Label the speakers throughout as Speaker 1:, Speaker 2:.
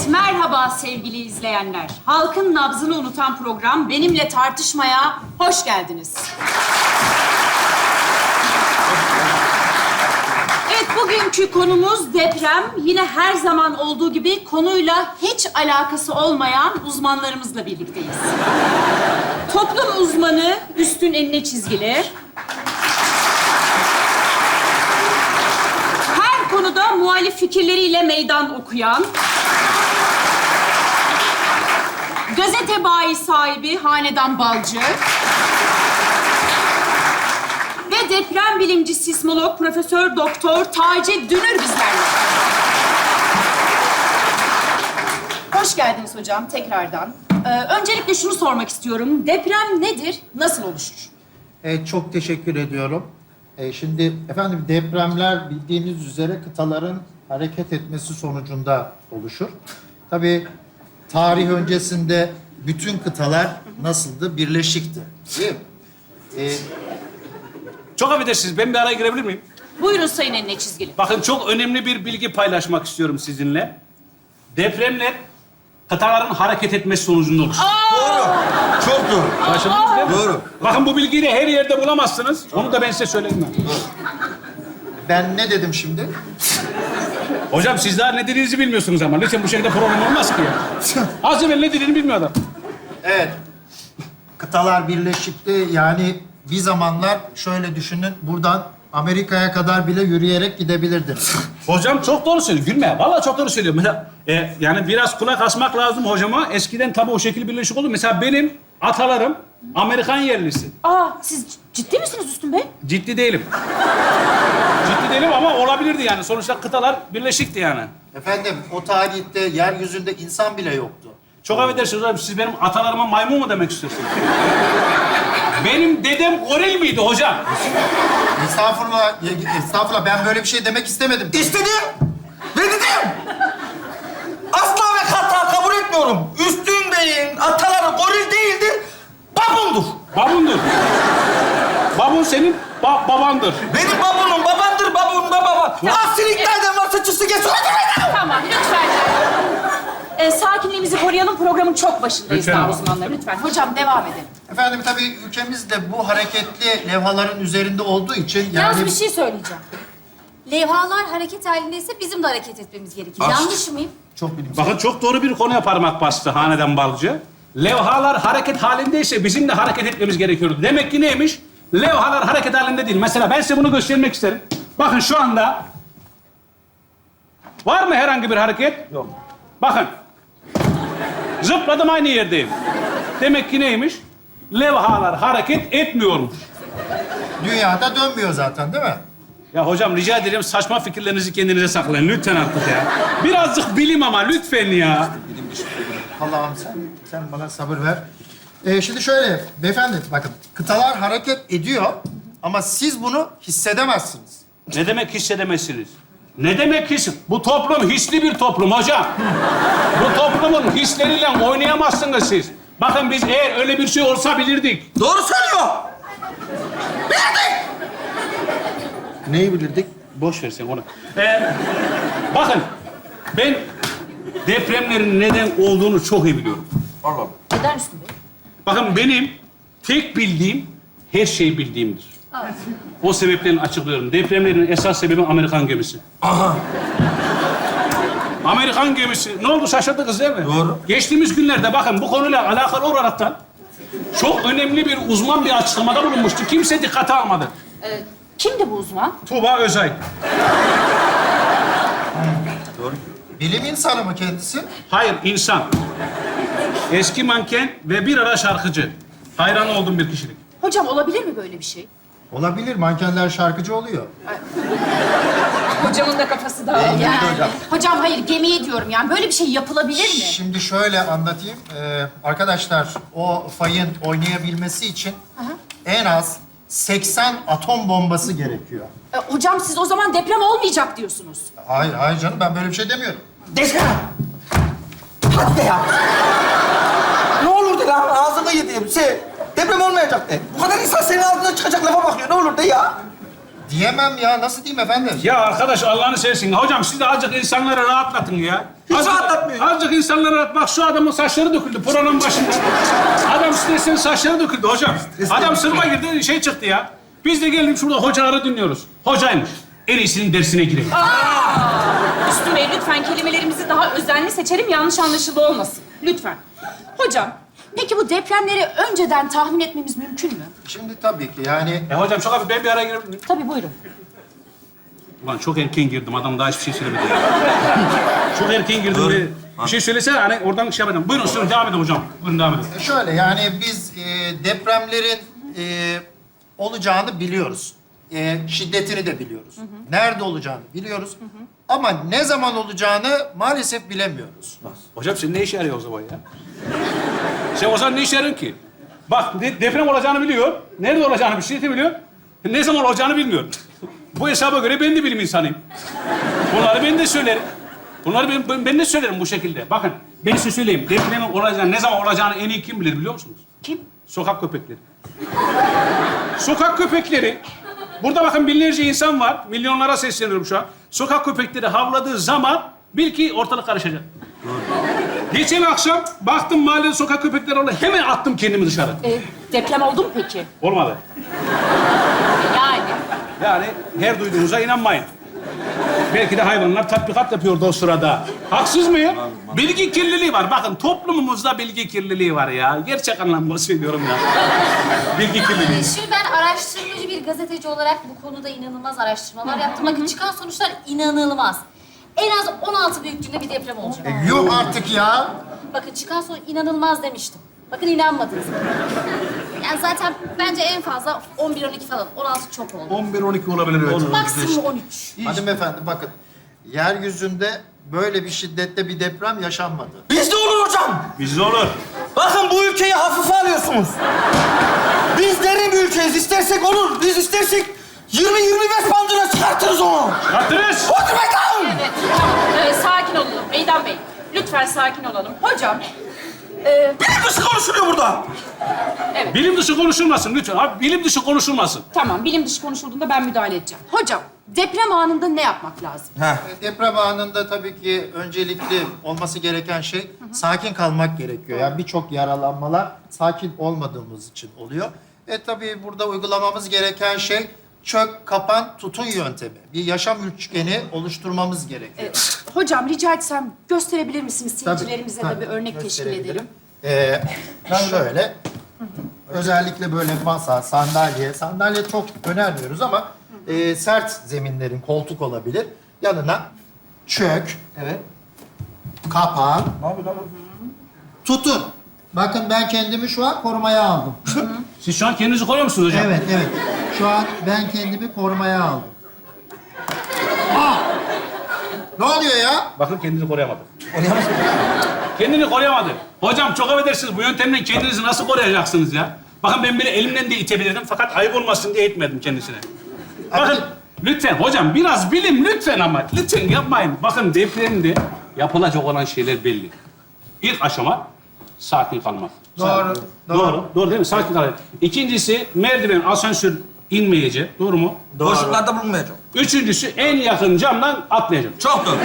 Speaker 1: Evet, merhaba sevgili izleyenler. Halkın nabzını unutan program Benimle Tartışmaya hoş geldiniz. Evet, bugünkü konumuz deprem. Yine her zaman olduğu gibi konuyla hiç alakası olmayan uzmanlarımızla birlikteyiz. Toplum uzmanı Üstün Enine Çizgili. Her konuda muhalif fikirleriyle meydan okuyan. Gazete bayi sahibi Hanedan Balcı. Ve deprem bilimci sismolog Profesör Doktor Taci Dünür bizlerle. Hoş geldiniz hocam tekrardan. Öncelikle şunu sormak istiyorum. Deprem nedir? Nasıl oluşur?
Speaker 2: Çok teşekkür ediyorum. Şimdi efendim depremler bildiğiniz üzere kıtaların hareket etmesi sonucunda oluşur. Tabii tarih öncesinde bütün kıtalar nasıldı? Birleşikti. Değil mi?
Speaker 3: Çok affedersiniz, ben bir araya girebilir miyim?
Speaker 1: Buyurun Sayın Enine Çizgili.
Speaker 3: Bakın çok önemli bir bilgi paylaşmak istiyorum sizinle. Depremler kıtaların hareket etmesi sonucunda oluşur.
Speaker 2: Çok doğru.
Speaker 3: Şaşırdınız değil mi?
Speaker 2: Doğru.
Speaker 3: Bakın bu bilgiyi de her yerde bulamazsınız. Onu da ben size söyleyeyim.
Speaker 2: Ben ne dedim şimdi?
Speaker 3: Hocam siz daha ne dediğinizi bilmiyorsunuz ama. Lütfen bu şekilde program olmaz ki ya. Az evvel ne dediğini bilmiyor adam.
Speaker 2: Evet. Kıtalar birleşikti. Yani bir zamanlar şöyle düşünün. Buradan Amerika'ya kadar bile yürüyerek gidebilirdiniz.
Speaker 3: Hocam çok doğru söylüyor. Gülme. Vallahi çok doğru söylüyor. Mesela, yani biraz kulak asmak lazım hocama. Eskiden tabii o şekil birleşik oldu. Mesela benim atalarım Amerikan yerlisi.
Speaker 1: Siz ciddi misiniz Üstün Bey?
Speaker 3: Ciddi değilim. Ciddi değilim ama olabilirdi yani. Sonuçta kıtalar birleşikti yani.
Speaker 2: Efendim o tarihte yeryüzünde insan bile yoktu.
Speaker 3: Çok affedersiniz hocam. Siz benim atalarıma maymun mu demek istiyorsunuz? Benim dedem goril miydi hocam?
Speaker 2: Estağfurullah, estağfurullah. Ben böyle bir şey demek istemedim.
Speaker 4: İstedim ve dedim. Asla ve kata kabul etmiyorum. Üstün Bey'in ataları goril değildir, babundur.
Speaker 3: Babundur. Babun senin babandır.
Speaker 4: Benim babunum babandır, babun baba. Aksilik nereden varsa çıksın geç.
Speaker 1: Tamam, lütfen. Sakinliğimizi koruyalım. Programın çok başındayız
Speaker 3: Lütfen
Speaker 1: daha
Speaker 3: ama.
Speaker 1: uzmanlar. Lütfen. Hocam devam edelim.
Speaker 2: Efendim tabii ülkemiz de bu hareketli levhaların üzerinde olduğu için
Speaker 5: Yalnız bir şey söyleyeceğim. Levhalar hareket halindeyse bizim de hareket etmemiz gerekir. Yanlış mıyım?
Speaker 2: çok bilimsel.
Speaker 3: Bakın çok doğru bir konuya parmak bastı Hanedan Balcı. Levhalar hareket halindeyse bizim de hareket etmemiz gerekiyordu. Demek ki neymiş? Levhalar hareket halinde değil. Mesela ben size bunu göstermek isterim. Bakın şu anda... Var mı herhangi bir hareket? Yok. Bakın. Zıpladım aynı yerdeyim. Demek ki neymiş? Levhalar hareket etmiyormuş.
Speaker 2: Dünyada dönmüyor zaten değil mi?
Speaker 3: Ya hocam rica ederim saçma fikirlerinizi kendinize saklayın. Lütfen artık ya. Birazcık bilim ama lütfen ya.
Speaker 2: Allah'ım sen bana sabır ver. Şimdi şöyle beyefendi bakın kıtalar hareket ediyor ama siz bunu hissedemezsiniz.
Speaker 3: Ne demek hissedemezsiniz? Ne demek his? Bu toplum hisli bir toplum hocam. Bu toplumun hisleriyle oynayamazsınız siz. Bakın biz eğer öyle bir şey olsa bilirdik.
Speaker 4: Doğru söylüyor.
Speaker 2: Neyi bilirdik?
Speaker 3: Boş ver sen onu. Bakın ben depremlerin neden olduğunu çok iyi biliyorum.
Speaker 1: Neden Üstün Bey?
Speaker 3: Bakın benim tek bildiğim her şeyi bildiğimdir. O sebeplerini açıklıyorum. Depremlerin esas sebebi Amerikan gemisi. Amerikan gemisi. Ne oldu şaşırdınız değil mi?
Speaker 2: Doğru.
Speaker 3: Geçtiğimiz günlerde bakın bu konuyla alakalı olaraktan çok önemli bir uzman bir açıklamada bulunmuştu. Kimse dikkate almadı.
Speaker 1: Kimdi bu uzman?
Speaker 3: Tuğba Özay.
Speaker 2: Bilim insanı mı kendisi?
Speaker 3: Hayır, insan. Eski manken ve bir ara şarkıcı. Hayran olduğum bir kişilik.
Speaker 1: Hocam olabilir mi böyle bir şey?
Speaker 2: Olabilir. Mankenler şarkıcı oluyor.
Speaker 1: Hocamın da kafası dağıldı.
Speaker 2: İyi hocam.
Speaker 1: Hocam hayır gemiye diyorum yani. Böyle bir şey yapılabilir mi?
Speaker 2: Şimdi şöyle anlatayım. Arkadaşlar o fayın oynayabilmesi için en az 80 atom bombası gerekiyor.
Speaker 1: Hocam siz o zaman deprem olmayacak diyorsunuz.
Speaker 2: Hayır canım ben böyle bir şey demiyorum.
Speaker 4: Desene. Hadi de ya. Ne olur de lan ağzını yediğim şey. Deprem olmayacak de. Bu kadar insan senin ağzına çıkacak lafa bakıyor. Ne olur de ya.
Speaker 2: diyemem ya. Nasıl diyeyim efendim?
Speaker 3: Ya arkadaş Allah'ını seversin. Hocam siz de azıcık insanları rahatlatın ya.
Speaker 4: Hiç rahatlatmıyor.
Speaker 3: Azıcık insanları rahat. Bak şu adamın saçları döküldü programın başında. Adam stresten saçları döküldü hocam. Adam sınıfa girdi şey çıktı ya. Biz de geldik şurada hocaları dinliyoruz. Hocaymış. En iyisinin dersine girelim.
Speaker 1: Üstün Bey lütfen kelimelerimizi daha özenli seçelim, yanlış anlaşılma olmasın. Lütfen. Hocam, peki bu depremleri önceden tahmin etmemiz mümkün mü?
Speaker 2: Şimdi tabii ki yani...
Speaker 3: Hocam çok abi ben bir araya girebilir miyim?
Speaker 1: Tabii buyurun.
Speaker 3: Ulan çok erken girdim. Adam daha hiçbir şey söylemedi ya. Çok erken girdim. Bir şey söylesene hani oradan şey yapacağım. Buyurun sürün devam edin hocam. Buyurun devam edin.
Speaker 2: Şöyle yani biz depremlerin olacağını biliyoruz. Şiddetini de biliyoruz. Nerede olacağını biliyoruz. Ama ne zaman olacağını maalesef bilemiyoruz.
Speaker 3: Hocam sen ne işe yarıyor o zaman ya? Sen o zaman ne işe yarıyorsun ki? Bak deprem olacağını biliyor. Nerede olacağını bir şey de biliyor. Ne zaman olacağını bilmiyor. Bu hesaba göre ben de bilim insanıyım. Bunları ben de söylerim. Bunları ben de söylerim bu şekilde. Bakın ben size söyleyeyim. Depremin olacağını, ne zaman olacağını en iyi kim bilir biliyor musunuz?
Speaker 1: Kim?
Speaker 3: Sokak köpekleri. Sokak köpekleri. Burada bakın binlerce insan var. Milyonlara sesleniyorum şu an. Sokak köpekleri havladığı zaman bil ki ortalık karışacak. Geçen akşam baktım mahallede sokak köpekleri oldu. Hemen attım kendimi dışarı.
Speaker 1: Deprem oldu mu peki?
Speaker 3: Olmadı. Yani her duyduğunuza inanmayın. Belki de hayvanlar tatbikat yapıyordu o sırada. Haksız mıyım? Bilgi kirliliği var. Bakın toplumumuzda bilgi kirliliği var ya. Gerçek anlamda söylüyorum ya. Bilgi kirliliği.
Speaker 5: Şimdi ben araştırmacı bir gazeteci olarak bu konuda inanılmaz araştırmalar yaptım. Bakın çıkan sonuçlar inanılmaz. En az 16 büyüklüğünde bir deprem olacak.
Speaker 2: Yok artık ya.
Speaker 5: Bakın çıkan sonuç inanılmaz demiştim. Bakın inanmadınız. Yani zaten bence en fazla 11-12 falan. 16 çok oldu.
Speaker 4: 11-12 olabilir evet.
Speaker 5: Maksimum 13.
Speaker 2: Hanımefendi bakın. Yeryüzünde böyle bir şiddette bir deprem yaşanmadı.
Speaker 4: Bizde olur hocam.
Speaker 3: Bizde olur.
Speaker 4: Bakın bu ülkeyi hafife alıyorsunuz. Biz derin bir ülkeyiz. İstersek olur. Biz istersek 20-25 bandına çıkartırız onu.
Speaker 3: Çıkarttınız.
Speaker 4: Otur bakalım.
Speaker 1: Evet, tamam. Sakin olalım Meydan Bey. Lütfen sakin olalım. Hocam,
Speaker 4: Bilim dışı konuşuluyor burada.
Speaker 3: Bilim dışı konuşulmasın lütfen. Abi bilim dışı konuşulmasın.
Speaker 1: tamam bilim dışı konuşulduğunda ben müdahale edeceğim. Hocam, deprem anında ne yapmak lazım?
Speaker 2: Deprem anında tabii ki öncelikli olması gereken şey sakin kalmak gerekiyor. Yani birçok yaralanmalar sakin olmadığımız için oluyor. Tabii burada uygulamamız gereken şey çök, kapan, tutun yöntemi. Bir yaşam üçgeni oluşturmamız gerekiyor.
Speaker 1: Hocam rica etsem gösterebilir misiniz?
Speaker 2: Tabii,
Speaker 1: Seyircilerimize de
Speaker 2: tabii.
Speaker 1: bir örnek teşkil edelim.
Speaker 2: Şöyle, özellikle böyle masa, sandalye çok önermiyoruz ama sert zeminlerin koltuk olabilir. Yanına çök,
Speaker 4: Evet.
Speaker 2: kapan,
Speaker 4: Ne yapıyor lan?
Speaker 2: tutun. Bakın ben kendimi şu an korumaya aldım.
Speaker 3: Siz şu an kendinizi koruyor musunuz hocam?
Speaker 2: Evet. Şu an ben kendimi korumaya aldım. Ne oluyor ya?
Speaker 3: Bakın kendini koruyamadı. Kendini koruyamadı. Hocam çok affedersiniz. Bu yöntemle kendinizi nasıl koruyacaksınız ya? Bakın ben bile elimden de itebilirdim fakat ayıp olmasın diye itmedim kendisine. Bakın lütfen hocam biraz bilim lütfen ama lütfen yapmayın. Bakın depremde yapılacak olan şeyler belli. İlk aşama sakin kalmak. Doğru değil mi? Sakin kalmak. İkincisi merdiven, asansör inmeyecek. Doğru mu?
Speaker 4: Boşluklarda bulunmayacağım.
Speaker 3: Üçüncüsü en yakın camdan atlayacağım.
Speaker 4: Çok doğru.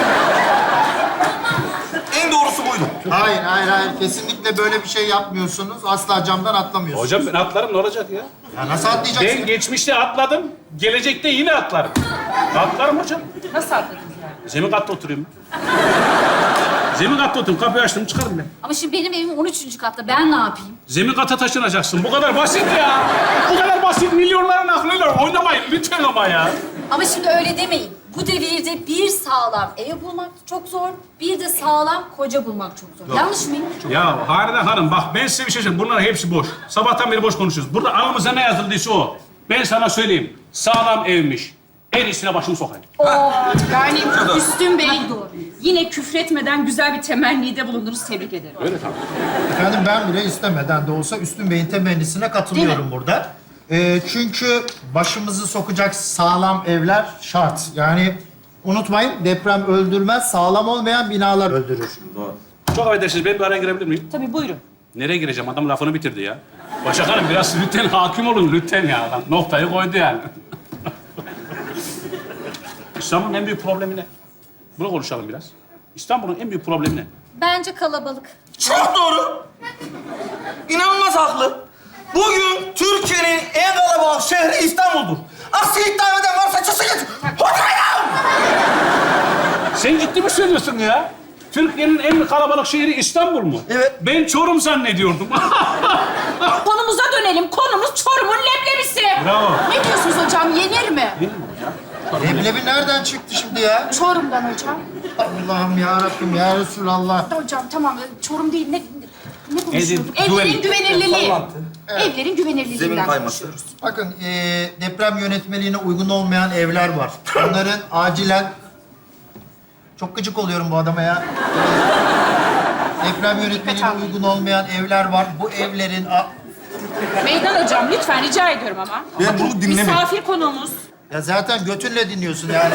Speaker 4: En doğrusu buydu.
Speaker 2: Hayır. Kesinlikle böyle bir şey yapmıyorsunuz. Asla camdan atlamıyorsunuz.
Speaker 3: Hocam ben atlarım ne olacak ya?
Speaker 2: Ya nasıl atlayacaksın?
Speaker 3: Ben geçmişte atladım, gelecekte yine atlarım. Atlarım hocam.
Speaker 1: Nasıl atladınız yani?
Speaker 3: Zemin katta oturuyorum. Zemin katta oturuyorum, kapıyı açtım çıkarım ben.
Speaker 5: Ama şimdi benim evim 13. katta. Ben ne yapayım?
Speaker 3: Zemin kata taşınacaksın. Bu kadar basit ya. Bu kadar basit. Milyonların aklıyla oynamayın lütfen ama ya.
Speaker 5: Ama şimdi öyle demeyin. Bu devirde bir sağlam ev bulmak çok zor, bir de sağlam koca bulmak çok zor. Yanlış mıyım?
Speaker 3: Ya Halide Hanım bak ben size bir şey söyleyeyim. Bunların hepsi boş. Sabahtan beri boş konuşuyoruz. Burada alnımıza ne yazıldıysa o. Ben sana söyleyeyim. Sağlam evmiş. En iyisine başımı sokayım.
Speaker 1: Yani Üstün Bey yine küfretmeden güzel bir temennide bulundunuz. Tebrik ederim.
Speaker 3: Öyle tabii.
Speaker 2: Efendim ben bile istemeden de olsa Üstün Bey'in temennisine katılıyorum burada. Çünkü başımızı sokacak sağlam evler şart. Yani unutmayın deprem öldürmez, sağlam olmayan binalar öldürür.
Speaker 3: Çok affedersiniz. Ben bir araya girebilir miyim?
Speaker 1: Tabii buyurun.
Speaker 3: Nereye gireceğim? Adam lafını bitirdi ya. Başak Hanım biraz lütfen hakim olun lütfen ya. Noktayı koydu yani. İstanbul'un en büyük problemi ne? Bunu konuşalım biraz. İstanbul'un en büyük problemi ne?
Speaker 5: Bence kalabalık.
Speaker 4: Çok doğru. İnanılmaz haklı. Bugün Türkiye'nin en kalabalık şehri İstanbul'dur. Aksi iddia eden varsa çıksın git. Oturmayın!
Speaker 3: Sen ciddi mi söylüyorsun ya? Türkiye'nin en kalabalık şehri İstanbul mu?
Speaker 4: Evet.
Speaker 3: Ben Çorum zannediyordum.
Speaker 1: Konumuza dönelim. Konumuz Çorum'un leblebisi.
Speaker 3: Bravo.
Speaker 1: Ne diyorsunuz hocam? Yenir mi?
Speaker 2: Leblebi nereden çıktı şimdi ya?
Speaker 1: Çorum'dan hocam.
Speaker 2: Allah'ım ya Rabbim ya Resulallah.
Speaker 1: Hocam tamam. Çorum değil. Ne konuşuyorduk?
Speaker 3: Evlerin
Speaker 1: Evlerin güvenirliliği.
Speaker 4: Sallantı.
Speaker 1: Evlerin
Speaker 4: Zemin
Speaker 1: güvenirliliğinden
Speaker 4: kayması.
Speaker 1: konuşuyoruz.
Speaker 2: Bakın deprem yönetmeliğine uygun olmayan evler var. Onların acilen... Çok gıcık oluyorum bu adama ya. Deprem yönetmeliğine uygun olmayan evler var. Bu evlerin...
Speaker 1: Meydan hocam lütfen rica ediyorum ama.
Speaker 4: Ben bunu dinlemiyorum.
Speaker 1: Misafir konuğumuz.
Speaker 2: Ya zaten götünle dinliyorsun yani.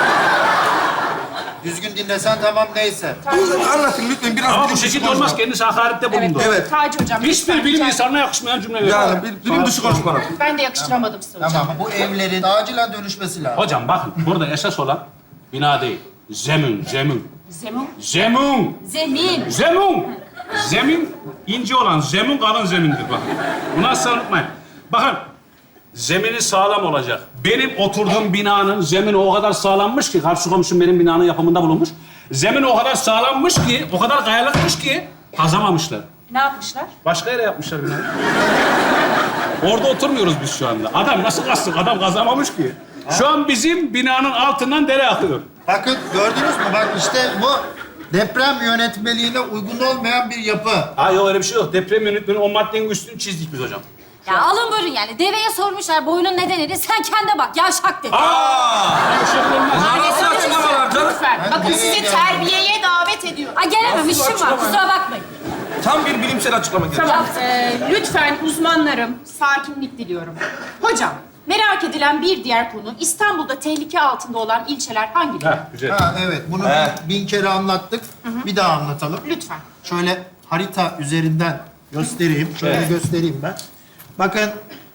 Speaker 2: Düzgün dinlesen tamam neyse.
Speaker 4: Anlatın lütfen biraz.
Speaker 3: Ama bu
Speaker 4: bilim dışı
Speaker 3: şekilde
Speaker 4: konuşma.
Speaker 3: olmaz. Kendisi hakarette bulundu.
Speaker 4: Evet.
Speaker 1: Taci hocam.
Speaker 3: Hiçbir
Speaker 1: lütfen
Speaker 3: bilim
Speaker 1: rica-
Speaker 3: insanına yakışmayan cümle.
Speaker 4: Yani bilim dışı konuşmalar.
Speaker 1: Ben de yakıştıramadım size hocam.
Speaker 2: Tamam bu evlerin acilen dönüşmesi lazım.
Speaker 3: Hocam bakın burada esas olan bina değil. Zemin.
Speaker 1: Zemin.
Speaker 3: Zemin.
Speaker 5: Zemin.
Speaker 3: Zemin ince olan zemin kalın zemindir bak. Bunu asla unutmayın. Bakın zemini sağlam olacak. Benim oturduğum binanın zemini o kadar sağlammış ki, karşı komşum benim binanın yapımında bulunmuş. Zemin o kadar sağlammış ki, o kadar kayalıkmış ki kazamamışlar.
Speaker 1: Ne yapmışlar?
Speaker 3: Başka yere yapmışlar binayı. Orada oturmuyoruz biz şu anda. Adam nasıl kazsın? Adam kazamamış ki. Şu an bizim binanın altından dere akıyor.
Speaker 2: Bakın gördünüz mü? Bak işte bu deprem yönetmeliğine uygun olmayan bir yapı.
Speaker 3: Ha yok öyle bir şey yok. Deprem yönetmeni o maddenin üstünü çizdik biz hocam.
Speaker 5: Ya alın buyurun yani. Deveye sormuşlar boyunun nedenidir. Sen kendine bak. Yavşak dedi.
Speaker 3: Böyle şey olmaz.
Speaker 4: Nasıl açıklamalar canım?
Speaker 1: Lütfen.
Speaker 2: Ben
Speaker 1: Bakın
Speaker 2: nereye
Speaker 1: sizi
Speaker 2: geldim?
Speaker 1: terbiyeye davet ediyorum.
Speaker 5: Ay gelemem. işim var. Kusura bakmayın.
Speaker 4: Tam bir bilimsel açıklama geldi.
Speaker 1: Tamam. Lütfen uzmanlarım sakinlik diliyorum. Hocam merak edilen bir diğer konu İstanbul'da tehlike altında olan ilçeler hangileri?
Speaker 3: Heh, güzel.
Speaker 2: Ha evet bunu bin kere anlattık. Bir daha anlatalım.
Speaker 1: Lütfen.
Speaker 2: Şöyle harita üzerinden göstereyim. Şöyle
Speaker 3: Evet.
Speaker 2: göstereyim ben. Bakın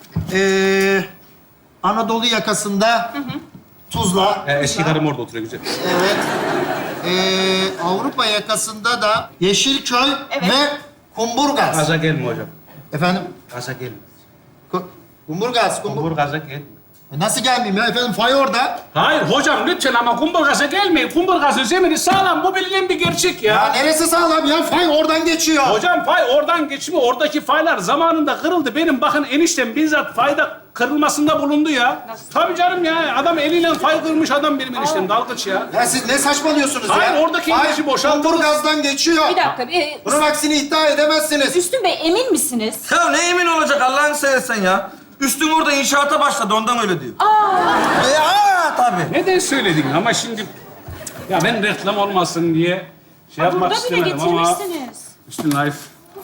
Speaker 2: Anadolu yakasında Tuzla.
Speaker 3: Eski karım orada oturuyor güzel.
Speaker 2: Evet. Avrupa yakasında da Yeşilköy
Speaker 1: Evet.
Speaker 2: ve Kumburgaz.
Speaker 3: Gaza gelme hocam.
Speaker 2: Efendim?
Speaker 3: Gaza gelme.
Speaker 2: Kumburgaz.
Speaker 3: Kumburgaz'a gelme.
Speaker 2: Nasıl gelmeyeyim ya efendim? Fay orada.
Speaker 3: Hayır hocam lütfen ama Kumburgaz'a gelmeyin. Kumburgaz'ın zemini sağlam. Bu bilinen bir gerçek
Speaker 2: Ya
Speaker 3: ya.
Speaker 2: neresi sağlam ya? Fay oradan geçiyor.
Speaker 3: Hocam fay oradan geçmiyor. Oradaki faylar zamanında kırıldı. Benim bakın eniştem bizzat fayda kırılmasında bulundu ya. Tabii canım ya. Adam eliyle fay kırmış adam benim eniştem. Dalgıç ya.
Speaker 2: Ya siz ne saçmalıyorsunuz ya?
Speaker 3: Hayır, oradaki enerji boşaltıldı.
Speaker 2: Kumburgaz'dan geçiyor.
Speaker 1: Bir dakika.
Speaker 2: Bunun aksini iddia edemezsiniz.
Speaker 1: Üstün Bey emin misiniz?
Speaker 4: Ya ne emin olacak Allah'ını seversen ya. Üstün orada inşaata başladı ondan öyle diyor. Ya tabii.
Speaker 3: Neden söyledin ama şimdi... Ya ben reklam olmasın diye şey yapmak
Speaker 1: Burada bile
Speaker 3: istemedim ama...
Speaker 1: getirmişsiniz.
Speaker 3: Üstün Life.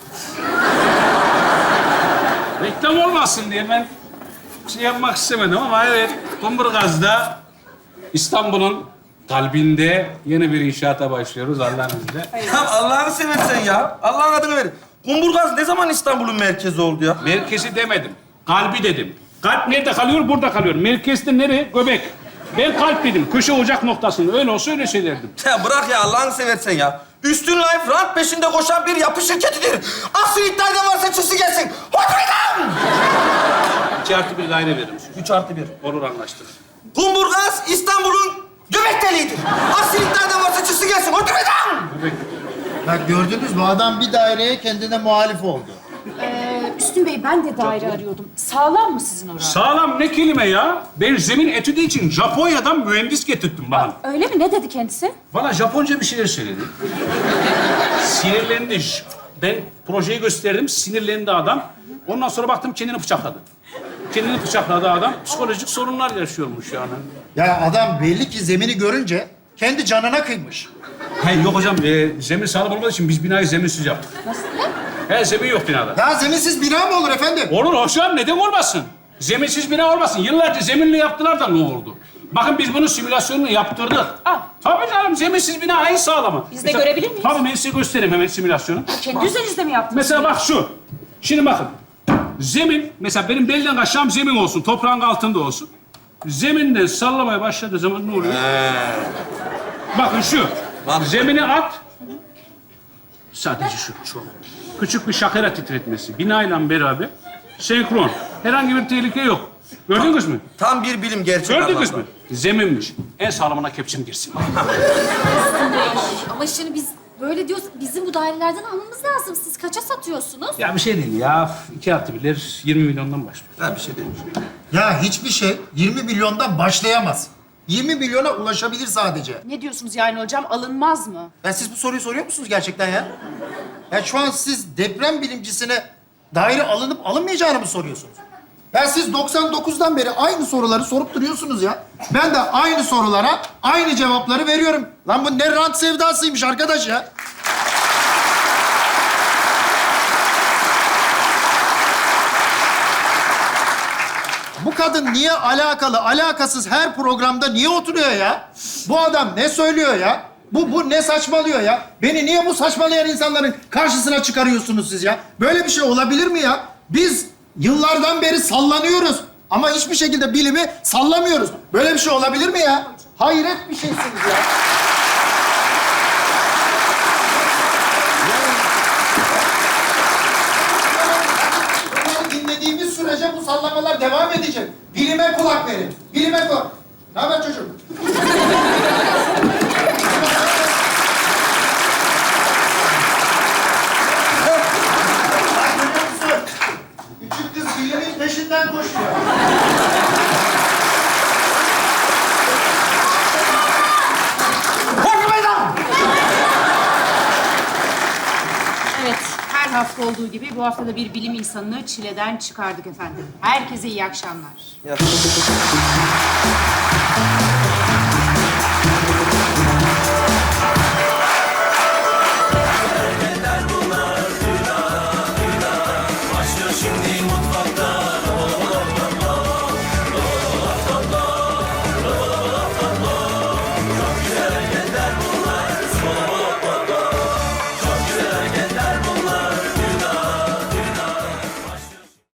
Speaker 3: Reklam olmasın diye ben şey yapmak istemedim ama evet, Kumburgaz'da İstanbul'un kalbinde yeni bir inşaata başlıyoruz Allah'ın izniyle.
Speaker 4: Ya Allah'ını seversen ya. Allah'ın adını ver. Kumburgaz ne zaman İstanbul'un merkezi oldu ya?
Speaker 3: Merkezi demedim, kalbi dedim. Kalp nerede kalıyor? Burada kalıyor. Merkezde nereye? Göbek. Ben kalp dedim, köşe ocak noktasında. Öyle olsa öyle söylerdim.
Speaker 4: Ya bırak ya Allah'ını seversen ya. Üstün Life rant peşinde koşan bir yapı şirketidir. Asıl iddia eden varsa çıksın gelsin. Oturmayın!
Speaker 3: 2+1 daire veririm.
Speaker 4: 3+1.
Speaker 3: Olur anlaştık.
Speaker 4: Kumburgaz İstanbul'un göbek deliğidir. Asıl iddia eden varsa çıksın gelsin. Oturmayın!
Speaker 3: Göbek.
Speaker 2: Bak gördünüz mü? Adam bir daireye kendine muhalif oldu.
Speaker 1: Üstün Bey ben de daire arıyordum. Sağlam mı sizin orası?
Speaker 3: Sağlam ne kelime ya? Ben zemin etüdü için Japonya'dan mühendis getirttim bakın.
Speaker 1: Öyle mi? Ne dedi kendisi?
Speaker 3: Bana Japonca bir şeyler söyledi. Sinirlendi. Ben projeyi gösterdim, sinirlendi adam. Ondan sonra baktım kendini bıçakladı. Kendini bıçakladı adam. Psikolojik sorunlar yaşıyormuş yani.
Speaker 2: Ya adam belli ki zemini görünce kendi canına kıymış.
Speaker 3: Hayır yok hocam, zemin sağlam olmadığı için biz binayı zeminsiz yaptık.
Speaker 1: Nasıl?
Speaker 3: He, zemin yok binada.
Speaker 2: Ya zeminsiz bina mı olur efendim?
Speaker 3: Olur hocam, neden olmasın? Zeminsiz bina olmasın. Yıllarca zeminli yaptılar da ne oldu? Bakın biz bunun simülasyonunu yaptırdık. Tabii canım, zeminsiz bina en sağlamı.
Speaker 1: Biz de görebilir miyiz?
Speaker 3: Tabii ben size göstereyim hemen simülasyonu.
Speaker 1: Kendi üzerinizde mi yaptınız?
Speaker 3: Mesela bak şu. Şimdi bakın. Zemin, mesela benim belden aşağım zemin olsun, toprağın altında olsun. zeminden sallamaya başladığı zaman ne oluyor? Bakın şu. Zemini at. Sadece şu. Küçük bir şakera titretmesi. Binayla beraber senkron. Herhangi bir tehlike yok. Gördünüz mü?
Speaker 4: Tam bir bilim gerçek
Speaker 3: Gördünüz
Speaker 4: anlamda.
Speaker 3: mü? Zeminmiş. En sağlamına kepçem girsin.
Speaker 5: Ama şimdi biz böyle diyoruz, bizim bu dairelerden almamız lazım. Siz kaça satıyorsunuz?
Speaker 3: Ya bir şey değil ya. 2+1 20 milyondan başlıyor.
Speaker 4: Ben bir şey dedim.
Speaker 2: Ya hiçbir şey 20 milyondan başlayamaz. 20 milyona ulaşabilir sadece.
Speaker 1: Ne diyorsunuz yani hocam? Alınmaz mı?
Speaker 2: Ya siz bu soruyu soruyor musunuz gerçekten ya? Ya şu an siz deprem bilimcisine daire alınıp alınmayacağını mı soruyorsunuz? Ya siz 99'dan beri aynı soruları sorup duruyorsunuz ya. Ben de aynı sorulara aynı cevapları veriyorum. Lan bu ne rant sevdasıymış arkadaş ya. Bu kadın niye alakasız her programda niye oturuyor ya? Bu adam ne söylüyor ya? Bu ne saçmalıyor ya? Beni niye bu saçmalayan insanların karşısına çıkarıyorsunuz siz ya? Böyle bir şey olabilir mi ya? Biz yıllardan beri sallanıyoruz ama hiçbir şekilde bilimi sallamıyoruz. Böyle bir şey olabilir mi ya? Hayret bir şeysiniz ya. Bunları dinlediğimiz sürece bu sallamalar devam edecek. Bilime kulak verin. Bilime kulak. Ne haber çocuğum? Bak görüyor musun? Küçük kız bilimin peşinden koşuyor. Korkmayın lan!
Speaker 1: Evet, her hafta olduğu gibi bu hafta da bir bilim insanını çileden çıkardık efendim. Herkese iyi akşamlar.
Speaker 4: Ya.